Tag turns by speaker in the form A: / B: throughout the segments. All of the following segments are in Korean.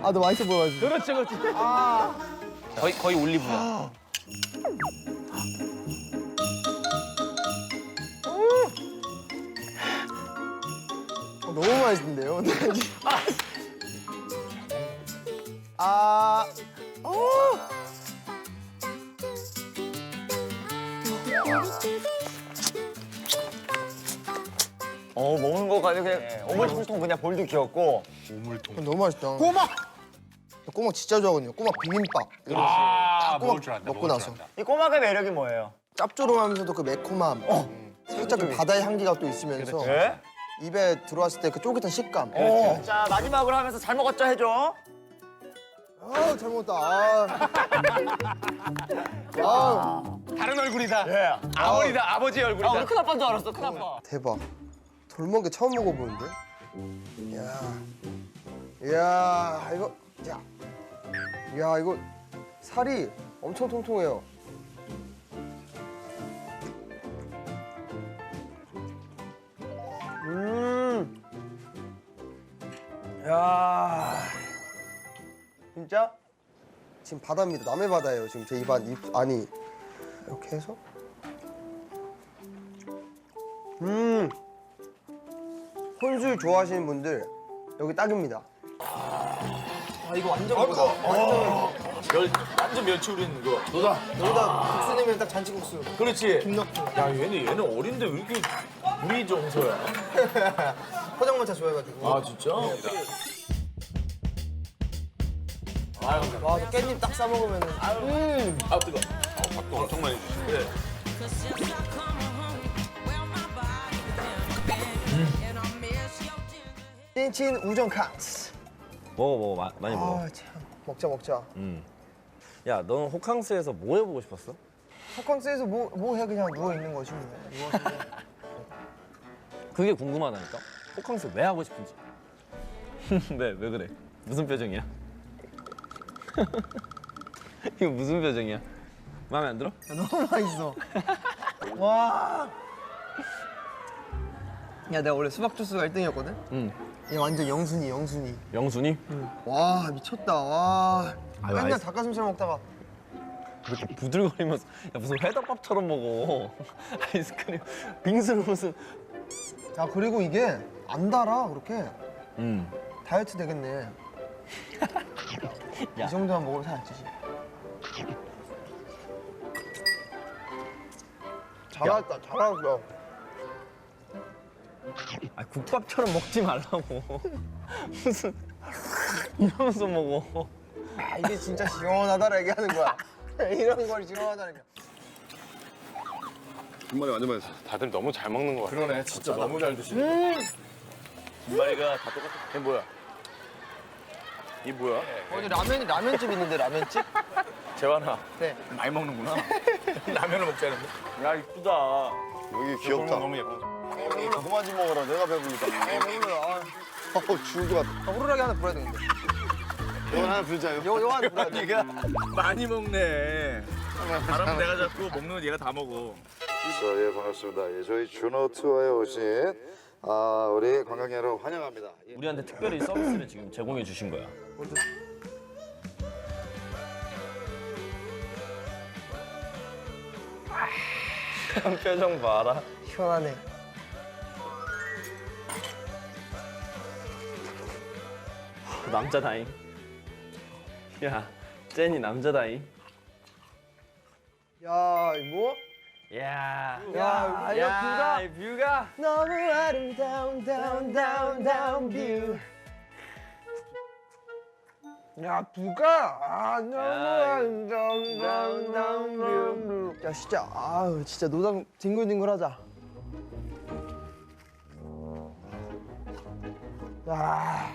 A: 아, 너 맛있어 보여가지고.
B: 그렇지, 그렇지. 거의 올리브야.
A: 너무 맛있는데요? 아,
C: 먹는 거 가지고 그냥 오물통통 그냥 볼도 귀엽고.
A: 너무 맛있다.
D: 꼬막!
A: 꼬막 진짜 좋아하거든요. 꼬막 비빔밥. 이런 거.
D: 아,
A: 꼬막 먹고 나서.
C: 이 꼬막의 매력이 뭐예요?
A: 짭조름하면서도 그 매콤함. 살짝 그 바다의 향기가 또 있으면서
C: 네?
A: 입에 들어왔을 때 그 쫄깃한 식감.
C: 자, 마지막으로 하면서 잘 먹었죠 해줘.
A: 아, 잘 먹었다. 아,
B: 다른 얼굴이다.
C: 예.
B: 아버지다, 아버지의 얼굴이다.
C: 우리 큰아빠인 줄 알았어, 큰아빠.
A: 대박. 돌멍게 처음 먹어보는데? 이야. 이야, 이거. 야. 이야, 이거 살이 엄청 통통해요. 야. 진짜? 지금 바다입니다. 남해 바다예요. 지금 제 입안, 안이. 이렇게 해서. 혼술 좋아하시는 분들 여기 딱입니다. 아, 이거 완전 그거다.
B: 완전 멸치 우린 거.
A: 여기다 국수 내면 딱 잔치국수.
B: 그렇지.
A: 김 넣고.
B: 야, 얘는 어린데 왜 이렇게 물이 정서야?
A: 포장마차 좋아해가지고.
B: 아, 진짜?
A: 와, 저 깻잎 딱 싸먹으면은.
B: 아, 뜨거. 밥도 엄청 많이 주시네. 그래.
A: 찐친 우정 카스.
E: 먹어 많이 먹어.
A: 아, 참. 먹자.
E: 야, 너는 호캉스에서 뭐 해보고 싶었어?
A: 호캉스에서 뭐 해? 그냥 누워있는 거지. 뭐. 누워서.
E: 그게 궁금하다니까. 호캉스 왜 하고 싶은지. 왜 그래? 무슨 표정이야? 이거 무슨 표정이야? 마음에 안 들어?
A: 너무 맛있어. 와. 야, 내가 원래 수박 주스가 1등이었거든?
E: 응.
A: 얘 완전 영순이.
E: 영순이?
A: 와, 미쳤다. 와.
E: 아유,
A: 맨날
E: 아이스-
A: 닭가슴살 먹다가.
E: 이렇게 부들거리면서 야, 무슨 회덮밥처럼 먹어. 아이스크림 빙수를 무슨.
A: 야, 그리고 이게 안 달아, 그렇게.
E: 음.
A: 다이어트 되겠네.
E: 야.
A: 이 정도만 먹으면 살 안 찌지. 잘했다.
E: 아, 국밥처럼 먹지 말라고. 무슨 이러면서 먹어.
A: 아, 이게 진짜 시원하다라 얘기하는 거야. 이런 걸 시원하다는 게.
F: 김말이 완전 맛있어.
D: 다들 너무 잘 먹는 거 같아.
B: 그러네, 진짜 너무 잘 드시네. 김말이가 다 똑같아.
D: 이게 뭐야? 이 뭐야?
A: 어디 라면집 있는데, 라면집?
B: 재환아,
A: 네.
B: 많이 먹는구나. 라면을 먹자는데.
D: 야, 이쁘다.
F: 여기 귀엽다.
D: 너무 예뻐.
F: 그만 좀 먹어라. 내가 배부르다.
A: 배불러요.
F: 죽을 것 같아.
A: 호루라기 하나 불어야 되는데.
F: 이건 하나 불자요.
A: 요 하나 불어야 돼.
B: 얘가 많이 먹네. 바람 내가 잡고 먹는 건 얘가 다 먹어.
F: 예, 반갑습니다. 예, 저희 준호 투어에 오신 우리 관광 여러분 환영합니다. 예.
E: 우리한테 특별히 서비스를 지금 제공해 주신 거야. 표정 봐라.
A: 시원하네.
E: 남자다잉. 야, 제니 남자다잉.
A: 야, 이거?
E: 야,
A: 야, 이거 뷰가?
E: 이 뷰가.
A: 너무 아름다운 다운 뷰. 야, 뷰가 너무
E: 야,
A: 아름다운 다운 뷰. 야, 진짜 진짜 노당 뒹굴뒹굴하자. 야.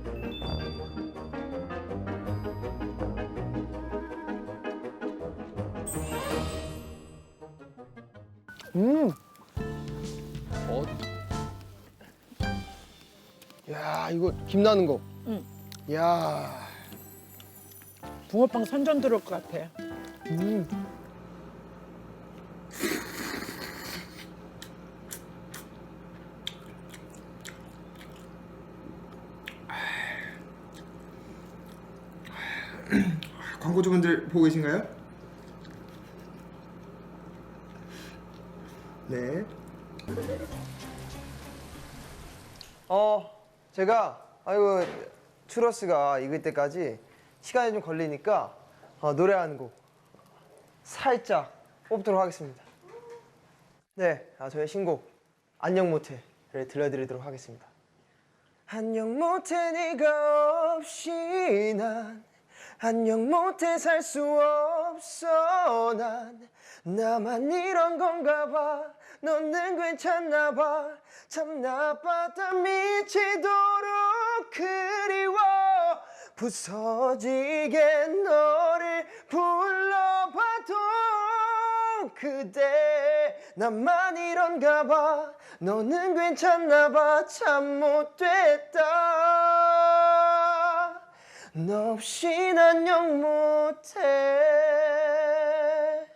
A: 야, 이거 김 나는 거.
G: 응.
A: 야.
G: 붕어빵 선전 들어올 것 같아.
A: 광고주분들 보고 계신가요? 네. 제가 추러스가 익을 때까지 시간이 좀 걸리니까 노래 한 곡 살짝 뽑도록 하겠습니다. 네, 저의 신곡 안녕 모태를 들려드리도록 하겠습니다. 안녕 모태 네가 없이 난 안녕 모태 살 수 없어 난 나만 이런 건가 봐 너는 괜찮나 봐 참 나빴다 미치도록 그리워 부서지게 너를 불러봐도 그대 나만 이런가 봐 너는 괜찮나 봐 참 못됐다 너 없인 안녕 못해.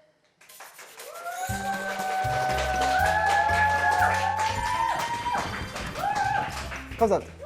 A: 감사합니다.